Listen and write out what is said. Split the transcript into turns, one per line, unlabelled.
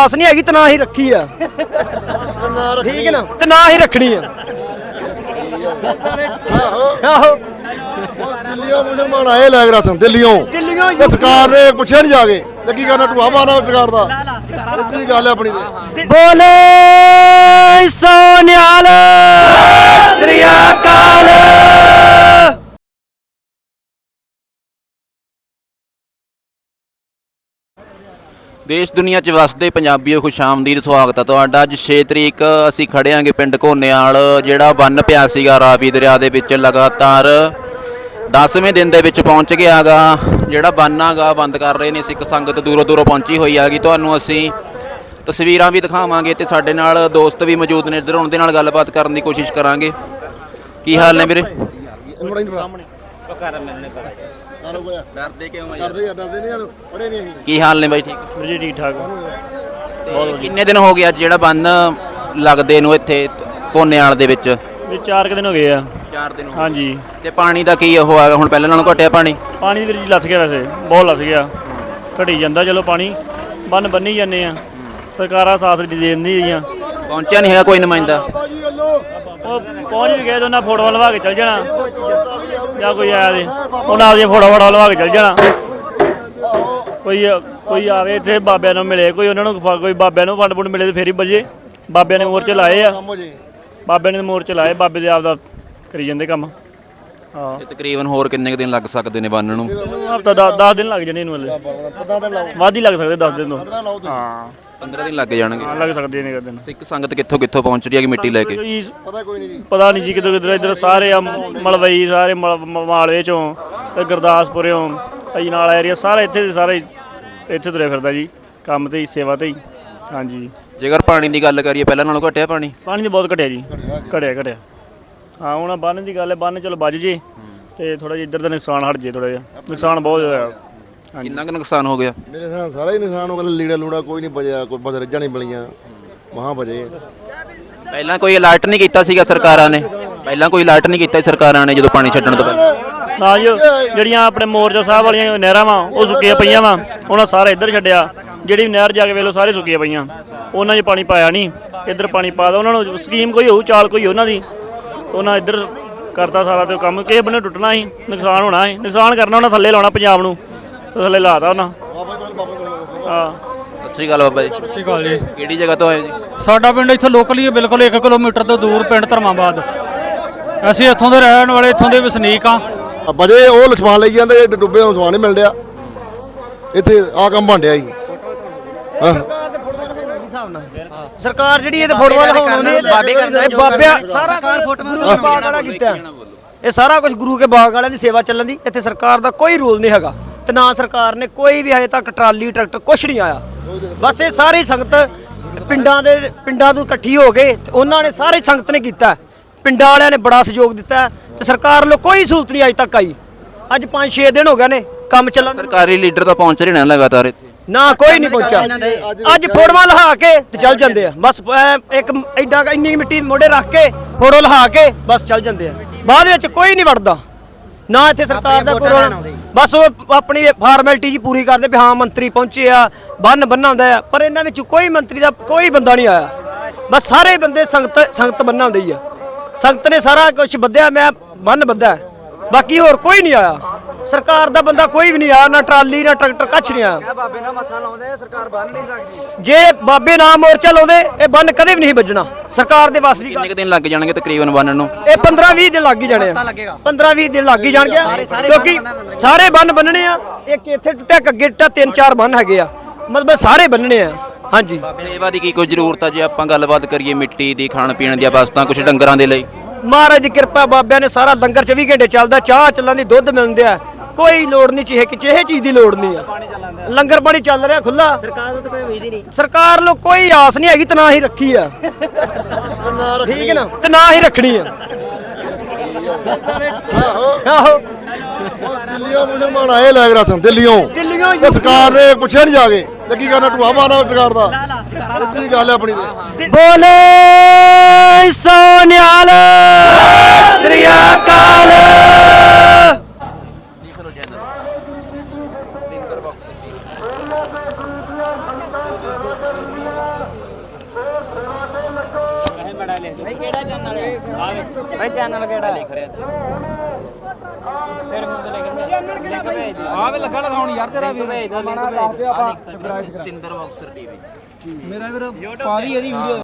ਆਸ ਨਹੀਂ ਹੈਗੀ ਤੇ ਨਾ ਹੀ ਰੱਖੀ ਆ। ਠੀਕ ਹੈ ਨਾ, ਤੇ ਨਾ ਹੀ ਰੱਖਣੀ ਆ। ਆਹੋ
ਦਿੱਲੀੋਂ ਮੁਸਲਮਾਨ ਆਏ ਲੈ ਕੇ ਰਾਸ਼ਨ ਦਿੱਲੀੋਂ ਤੇ ਸਰਕਾਰ ਨੇ ਪੁੱਛਿਆ ਨਹੀਂ ਜਾ ਕੇ ਤੇ ਕੀ ਕਰਨਾ ਢੂਆ ਮਾਰਨਾ ਸਰਕਾਰ ਦਾ। ਇੱਦੀ ਗੱਲ ਹੈ ਆਪਣੀ ਤੇ।
ਬੋਲੇ ਸੋਨਿਆਲ ਸ੍ਰੀ ਅਕਾਲ।
ਦੇਸ਼ ਦੁਨੀਆ 'ਚ ਵਸਦੇ ਪੰਜਾਬੀਓ ਖੁਸ਼ ਆਮਦੀਦ, ਸਵਾਗਤ ਹੈ ਤੁਹਾਡਾ। ਅੱਜ 6 ਤਰੀਕ ਅਸੀਂ ਖੜੇ ਆਂਗੇ ਪਿੰਡ ਘੋਨੇਵਾਲ, ਜਿਹੜਾ ਬੰਨ੍ਹ ਪਿਆ ਸੀਗਾ ਰਾਵੀ ਦਰਿਆ ਦੇ ਵਿੱਚ ਲਗਾਤਾਰ 10ਵੇਂ ਦਿਨ ਦੇ ਵਿੱਚ ਪਹੁੰਚ ਗਿਆ ਗਾ। ਜਿਹੜਾ ਬੰਨ੍ਹ ਗਾ ਬੰਦ ਕਰ ਰਹੇ ਨੇ ਸਿੱਖ ਸੰਗਤ, ਦੂਰੋਂ ਦੂਰੋਂ ਪਹੁੰਚੀ ਹੋਈ ਹੈਗੀ। ਤੁਹਾਨੂੰ ਅਸੀਂ ਤਸਵੀਰਾਂ ਵੀ ਦਿਖਾਵਾਂਗੇ ਤੇ ਸਾਡੇ ਨਾਲ ਦੋਸਤ ਵੀ ਮੌਜੂਦ ਨੇ, ਇੱਧਰ ਉਹਨਾਂ ਦੇ ਨਾਲ ਗੱਲਬਾਤ ਕਰਨ ਦੀ ਕੋਸ਼ਿਸ਼ ਕਰਾਂਗੇ। ਕੀ ਹਾਲ ਨੇ ਵੀਰੇ? ਡਰਦੇ ਕਿਉਂ?
ਡਰਦੇ ਨਹੀਂ ਪੜੇ ਨਹੀਂ ਅਸੀਂ।
ਕੀ ਹਾਲ ਨੇ ਬਾਈ? ਠੀਕ
ਵੀਰ ਜੀ, ਠੀਕ ਠਾਕ।
ਤੇ ਕਿੰਨੇ ਦਿਨ ਹੋ ਗਏ ਅੱਜ ਜਿਹੜਾ ਬੰਨ੍ਹ ਲੱਗਦੇ ਨੂੰ ਇੱਥੇ ਘੋਨੇਵਾਲ ਦੇ ਵਿੱਚ?
ਵੀ 4 ਦਿਨ ਹੋ ਗਏ ਆ।
4 ਦਿਨ ਹੋ
ਹਾਂਜੀ।
ਤੇ ਪਾਣੀ ਦਾ ਕੀ ਉਹ ਆ ਹੁਣ? ਪਹਿਲਾਂ ਨਾਲੋਂ ਘਟਿਆ ਪਾਣੀ?
ਪਾਣੀ ਵੀਰ ਜੀ ਲੱਥ ਗਿਆ, ਵੈਸੇ ਬਹੁਤ ਲੱਥ ਗਿਆ, ਘਟੀ ਜਾਂਦਾ। ਚਲੋ ਪਾਣੀ ਬੰਨ ਬੰਨੀ ਜਾਂਦੇ ਆ, ਸਰਕਾਰਾਂ ਸਾਥ ਦੇ ਦਿੰਦੀਆਂ।
ਪਹੁੰਚਿਆ ਨਹੀਂ ਹੈਗਾ ਕੋਈ ਨੁਮਾਇੰਦਾ?
ਉਹ ਪਹੁੰਚ ਵੀ ਗਏ, ਉਹਨਾਂ ਫੋਟੋਆਂ ਲਵਾ ਕੇ ਚੱਲ ਜਾਣਾ, ਜਾਂ ਕੋਈ ਆਇਆ ਦੇ ਉਹਨਾਂ ਆਪਦੀਆਂ ਫੋਟੋਆਂ ਲਵਾ ਕੇ ਚੱਲ ਜਾਣਾ। ਕੋਈ ਆਵੇ ਇੱਥੇ ਬਾਬਿਆਂ ਨੂੰ ਮਿਲੇ, ਕੋਈ ਉਹਨਾਂ ਨੂੰ ਕੋਈ ਬਾਬਿਆਂ ਨੂੰ ਫੰਡ ਫੁੰਡ ਮਿਲੇ ਤੇ ਫੇਰ ਹੀ ਬਜੇ। ਬਾਬਿਆਂ ਨੇ ਮੋਰਚੇ ਲਾਏ ਆ, ਬਾਬਿਆਂ ਨੇ ਮੋਰਚੇ ਲਾਏ, ਬਾਬੇ ਦੇ ਆਪਦਾ ਕਰੀ ਜਾਂਦੇ ਕੰਮ। ਹਾਂ,
ਤਕਰੀਬਨ ਹੋਰ ਕਿੰਨੇ ਕੁ ਦਿਨ ਲੱਗ ਸਕਦੇ ਨੇ ਬੰਨ੍ਹ ਨੂੰ?
ਹਫ਼ਤਾ 10 ਦਿਨ ਲੱਗ ਜਾਣੇ ਇਹਨੂੰ, ਹਲੇ ਵੱਧ ਹੀ ਲੱਗ ਸਕਦੇ 10 ਦਿਨ ਤੋਂ। ਹਾਂ,
15 ਦਿਨ ਲੱਗ ਜਾਣਗੇ,
ਲੱਗ ਸਕਦੇ ਨੇ ਦਿਨ।
ਸਿੱਖ ਸੰਗਤ ਕਿੱਥੋਂ ਕਿੱਥੋਂ ਪਹੁੰਚ ਰਹੀ ਹੈ ਮਿੱਟੀ ਲੈ ਕੇ?
ਪਤਾ ਨਹੀਂ ਜੀ, ਕਿੱਧਰ ਕਿੱਧਰ। ਇੱਧਰ ਸਾਰੇ ਆ ਮਲਵਈ, ਸਾਰੇ ਮਾਲਵੇ ਚੋਂ ਤੇ ਗੁਰਦਾਸਪੁਰਿਓਂ ਅਜਨਾਲਾ ਏਰੀਆ, ਸਾਰਾ ਇੱਥੇ ਸਾਰੇ ਇੱਥੇ ਤੁਰਿਆ ਫਿਰਦਾ ਜੀ, ਕੰਮ ਤੇ ਹੀ, ਸੇਵਾ ਤੇ ਹੀ। ਹਾਂਜੀ।
ਜੇਕਰ ਪਾਣੀ ਦੀ ਗੱਲ ਕਰੀਏ, ਪਹਿਲਾਂ ਨਾਲੋਂ ਘਟਿਆ ਪਾਣੀ?
ਪਾਣੀ ਤਾਂ ਬਹੁਤ ਘਟਿਆ ਜੀ, ਘਟਿਆ। ਹਾਂ, ਹੁਣ ਬੰਨ ਦੀ ਗੱਲ ਹੈ, ਬੰਨ ਚਲੋ ਵੱਜ ਜੇ ਤੇ ਥੋੜਾ ਜਿਹਾ ਇੱਧਰ ਦਾ ਨੁਕਸਾਨ ਹਟ ਜੇ। ਥੋੜਾ ਜਿਹਾ ਨੁਕਸਾਨ ਬਹੁਤ ਹੋਇਆ।
ਕਿੰਨਾ ਕੁ ਨੁਕਸਾਨ ਹੋ ਗਿਆ?
ਮੇਰੇ ਹਿਸਾਬ ਸਾਰਾ ਹੀ ਨੁਕਸਾਨ ਹੋ ਗਿਆ। ਲੀੜਾ ਲੂੜਾ ਕੋਈ ਨਹੀਂ ਬਚਿਆ, ਕੋਈ ਬਸ ਰੱਜਾਂ ਨਹੀਂ ਮਿਲੀਆਂ, ਮਹਾਂ ਬਜੇ।
ਪਹਿਲਾਂ ਕੋਈ ਅਲਰਟ ਨਹੀਂ ਕੀਤਾ ਸੀਗਾ ਸਰਕਾਰਾਂ ਨੇ? ਪਹਿਲਾਂ ਕੋਈ ਅਲਰਟ ਨਹੀਂ ਕੀਤਾ ਸਰਕਾਰਾਂ ਨੇ ਜਦੋਂ ਪਾਣੀ ਛੱਡਣ ਤੋਂ ਪਹਿਲਾਂ?
ਨਾ ਜੀ, ਜਿਹੜੀਆਂ ਆਪਣੇ ਮੋਰਚਾ ਸਾਹਿਬ ਵਾਲੀਆਂ ਨਹਿਰਾਂ ਵਾ ਉਹ ਸੁੱਕੀਆਂ ਪਈਆਂ ਵਾ, ਉਹਨਾਂ ਸਾਰਾ ਇੱਧਰ ਛੱਡਿਆ। ਜਿਹੜੀ ਨਹਿਰ ਜਾ ਕੇ ਵੇਖ ਲਓ ਸਾਰੇ ਸੁੱਕੀਆਂ ਪਈਆਂ, ਉਹਨਾਂ 'ਚ ਪਾਣੀ ਪਾਇਆ ਨਹੀਂ, ਇੱਧਰ ਪਾਣੀ ਪਾ ਤਾ। ਉਹਨਾਂ ਨੂੰ ਸਕੀਮ ਕੋਈ ਹੋਊ, ਚਾਲ ਕੋਈ ਉਹਨਾਂ ਦੀ, ਉਹਨਾਂ ਇੱਧਰ ਕਰਤਾ ਸਾਰਾ। ਤੇ ਕੰਮ ਕਿਸੇ ਬੰਨੇ ਟੁੱਟਣਾ ਸੀ, ਨੁਕਸਾਨ ਹੋਣਾ ਸੀ, ਨੁਕਸਾਨ ਕਰਨਾ ਉਹਨਾਂ ਥੱਲੇ ਲਾਉਣਾ ਪੰਜਾਬ ਨੂੰ, ਥੱਲੇ ਲਾਤਾ ਉਹਨਾਂ। ਹਾਂ।
ਸਤਿ ਸ਼੍ਰੀ ਅਕਾਲ ਬਾਬਾ ਜੀ।
ਸਤਿ ਸ਼੍ਰੀ ਅਕਾਲ ਜੀ।
ਕਿਹੜੀ ਜਗ੍ਹਾ ਤੋਂ ਆਏ ਜੀ?
ਸਾਡਾ ਪਿੰਡ ਇੱਥੇ ਲੋਕਲ ਹੀ ਹੈ, ਬਿਲਕੁਲ 1 ਕਿਲੋਮੀਟਰ ਤੋਂ ਦੂਰ ਪਿੰਡ ਧਰਮਾਬਾਦ। ਅਸੀਂ ਇੱਥੋਂ ਦੇ ਰਹਿਣ ਵਾਲੇ, ਇੱਥੋਂ ਦੇ ਵਸਨੀਕ ਆ।
ਬਜੇ ਉਹ ਸਮਾਨ ਲਈ ਜਾਂਦੇ, ਡੁੱਬੇ ਨੂੰ ਸਮਾਨ ਨਹੀਂ ਮਿਲ ਰਿਹਾ ਇੱਥੇ। ਆ ਕੰਮ ਬਣ ਰਿਹਾ ਜੀ।
ਸਰਕਾਰ ਜਿਹੜੀ ਇਹ ਤੇ ਫੋਟੋਆਂ ਲਗਾਉਂਦੇ ਬਾਬਿਆਂ ਸਾਰਾ ਗੁਰੂ ਕੇ ਬਾਗ ਵਾਲਾ ਕੀਤਾ। ਇਹ ਸਾਰਾ ਕੁਝ ਗੁਰੂ ਕੇ ਬਾਗ ਵਾਲਿਆਂ ਦੀ ਸੇਵਾ ਚੱਲਣ ਦੀ। ਇੱਥੇ ਸਰਕਾਰ ਦਾ ਕੋਈ ਰੂਲ ਨਹੀਂ ਹੈਗਾ, ਤੇ ਨਾ ਸਰਕਾਰ ਨੇ ਕੋਈ ਵੀ ਹਜੇ ਤੱਕ ਟਰਾਲੀ ਟਰੈਕਟਰ ਕੁਛ ਨਹੀਂ ਆਇਆ। ਬਸ ਇਹ ਸਾਰੀ ਸੰਗਤ ਪਿੰਡਾਂ ਤੋਂ ਇਕੱਠੀ ਹੋ ਗਏ ਤੇ ਉਹਨਾਂ ਨੇ ਸਾਰੀ ਸੰਗਤ ਨੇ ਕੀਤਾ। ਪਿੰਡਾਂ ਵਾਲਿਆਂ ਨੇ ਬੜਾ ਸਹਿਯੋਗ ਦਿੱਤਾ ਤੇ ਸਰਕਾਰ ਵੱਲੋਂ ਕੋਈ ਸਹੂਲਤ ਨਹੀਂ ਅਜੇ ਤੱਕ ਆਈ। ਅੱਜ 5-6 ਦਿਨ ਹੋ ਗਏ ਨੇ ਕੰਮ ਚੱਲਣ।
ਸਰਕਾਰੀ ਲੀਡਰ ਤਾਂ ਪਹੁੰਚ ਰਹੇ ਨੇ ਲਗਾਤਾਰ ਇੱਥੇ?
ਨਾ, ਕੋਈ ਨਹੀਂ ਪਹੁੰਚਿਆ। ਅੱਜ ਫੋਟੋਆਂ ਲਹਾ ਕੇ ਤੇ ਚੱਲ ਜਾਂਦੇ ਆ, ਬਸ ਇੱਕ ਐਡਾ ਇੰਨੀ ਮਿੱਟੀ ਮੋਢੇ ਰੱਖ ਕੇ ਫੋਟੋ ਲਹਾ ਕੇ ਬਸ ਚੱਲ ਜਾਂਦੇ ਆ। ਬਾਅਦ ਵਿੱਚ ਕੋਈ ਨਹੀਂ ਵੜਦਾ, ਨਾ ਇੱਥੇ ਸਰਕਾਰ ਦਾ ਕੋਈ। ਬਸ ਉਹ ਆਪਣੀ ਫਾਰਮੈਲਿਟੀ ਜੀ ਪੂਰੀ ਕਰਦੇ ਵੀ ਹਾਂ ਮੰਤਰੀ ਪਹੁੰਚੇ ਆ, ਬੰਨ ਬੰਨਾਉਂਦਾ ਆ, ਪਰ ਇਹਨਾਂ ਵਿੱਚ ਕੋਈ ਮੰਤਰੀ ਦਾ ਕੋਈ ਬੰਦਾ ਨਹੀਂ ਆਇਆ। ਬਸ ਸਾਰੇ ਬੰਦੇ ਸੰਗਤ ਬੰਨਾਉਂਦੇ ਹੀ ਆ। ਸੰਗਤ ਨੇ ਸਾਰਾ ਕੁਝ ਬੱਧਿਆ, ਮੈਂ ਬੰਨ ਬੱਧਾ, ਬਾਕੀ ਹੋਰ ਕੋਈ ਨਹੀਂ ਆਇਆ। ਸਰਕਾਰ ਦਾ ਬੰਦਾ ਕੋਈ ਵੀ ਨਹੀਂ ਆਇਆ, ਨਾ ਟਰਾਲੀ ਨਾ ਟਰੈਕਟਰ, ਕੱਛ ਨਹੀਂ ਆਇਆ।
ਬਾਬੇ ਨਾਲ ਮੱਥਾ ਲਾਉਂਦੇ ਸਰਕਾਰ ਬੰਨ ਨਹੀਂ ਸਕਦੀ।
ਜੇ ਬਾਬੇ ਨਾਲ ਮੋਰਚਾ ਲਾਉਂਦੇ ਇਹ ਬੰਨ ਕਦੇ ਵੀ ਨਹੀਂ ਵੱਜਣਾ। ਸਰਕਾਰ ਦੇ ਵੱਸ ਦੀ ਗੱਲ।
ਕਿੰਨੇ ਦਿਨ ਲੱਗ ਜਾਣਗੇ ਤਕਰੀਬਨ ਬੰਨ੍ਹ ਨੂੰ?
ਇਹ 15-20 ਦਿਨ ਲੱਗ ਹੀ ਜਾਣੇ ਆ। 15-20 ਦਿਨ ਲੱਗ ਹੀ ਜਾਣਗੇ, ਕਿਉਂਕਿ ਸਾਰੇ ਬੰਨ ਬੰਨਣੇ ਆ। ਇੱਕ ਇੱਥੇ ਟੁੱਟਿਆ, ਅੱਗੇ ਟੁੱਟਿਆ, 3-4 ਬੰਨ ਹੈਗੇ ਆ, ਮਤਲਬ ਸਾਰੇ ਬੰਨਣੇ ਆ। ਹਾਂਜੀ।
ਸੇਵਾ ਦੀ ਕੀ ਕੋਈ ਜ਼ਰੂਰਤ ਆ? ਜੇ ਆਪਾਂ ਗੱਲਬਾਤ ਕਰੀਏ ਮਿੱਟੀ ਦੀ, ਖਾਣ ਪੀਣ ਦੀਆਂ ਵਸਤਾਂ, ਕੁਝ ਡੰਗਰਾਂ ਦੇ ਲਈ?
ਮਹਾਰਾਜ ਦੀ ਕਿਰਪਾ, ਬਾਬਿਆਂ ਨੇ ਸਾਰਾ ਲੰਗਰ 24 ਘੰਟੇ ਚੱਲਦਾ, ਚਾਹ ਚੱਲਣ ਦੀ, ਦੁੱਧ ਮਿਲਦੇ ਆ, ਕੋਈ ਲੋੜ ਨਹੀਂ ਚੀਹੇ ਚੀਜ਼ ਦੀ ਲੋੜ ਨਹੀਂ ਆ। ਲੰਗਰ ਪਾਣੀ ਚੱਲ ਰਿਹਾ ਖੁੱਲਾ।
ਸਰਕਾਰ ਤੋਂ ਕੋਈ ਉਮੀਦ ਹੀ ਨਹੀਂ।
ਸਰਕਾਰ ਨੂੰ ਕੋਈ ਆਸ ਨਹੀਂ ਹੈਗੀ ਤੇ ਨਾ ਹੀ ਰੱਖੀ ਆ। ਠੀਕ ਹੈ ਨਾ, ਤੇ ਨਾ ਹੀ ਰੱਖਣੀ ਆ। ਆਹੋ
ਦਿੱਲੀੋਂ ਮੁਸਲਮਾਨ ਆਏ ਲੈ ਕੇ ਰਾਸ਼ਨ ਦਿੱਲੀੋਂ ਤੇ ਸਰਕਾਰ ਨੇ ਪੁੱਛਿਆ ਨਹੀਂ ਜਾ ਕੇ ਤੇ ਕੀ ਕਰਨਾ ਢੂਆ ਮਾਰਨਾ ਸਰਕਾਰ ਦਾ। ਇੱਦੀ ਗੱਲ ਹੈ ਆਪਣੀ ਤੇ।
ਬੋਲੇ ਸੋਨਿਆਲ ਸ੍ਰੀ ਅਕਾਲ।
ਕਿਹੜਾ ਚੈਨਲ ਹੈ ਭਾਈ ਚੈਨਲ ਕਿਹੜਾ ਲਿਖ ਰਿਹਾ ਤੇਰੇ ਮੂੰਹ ਤੇ ਲਿਖ ਚੈਨਲ ਕਿਹੜਾ ਭਾਈ
ਆ ਵੇ ਲੱਗਾ ਲਗਾਉਣ ਯਾਰ ਤੇਰਾ ਵੀਰ
ਭੇਜ ਦੋ ਲਿੰਕ ਭੇਜ ਦਿਓ ਆਪਾਂ
ਸਤਿੰਦਰ ਬਾਕਸਰ ਟੀਵੀ
ਮੇਰਾ ਵੀਰ ਪਾ ਦੀ ਇਹਦੀ ਵੀਡੀਓ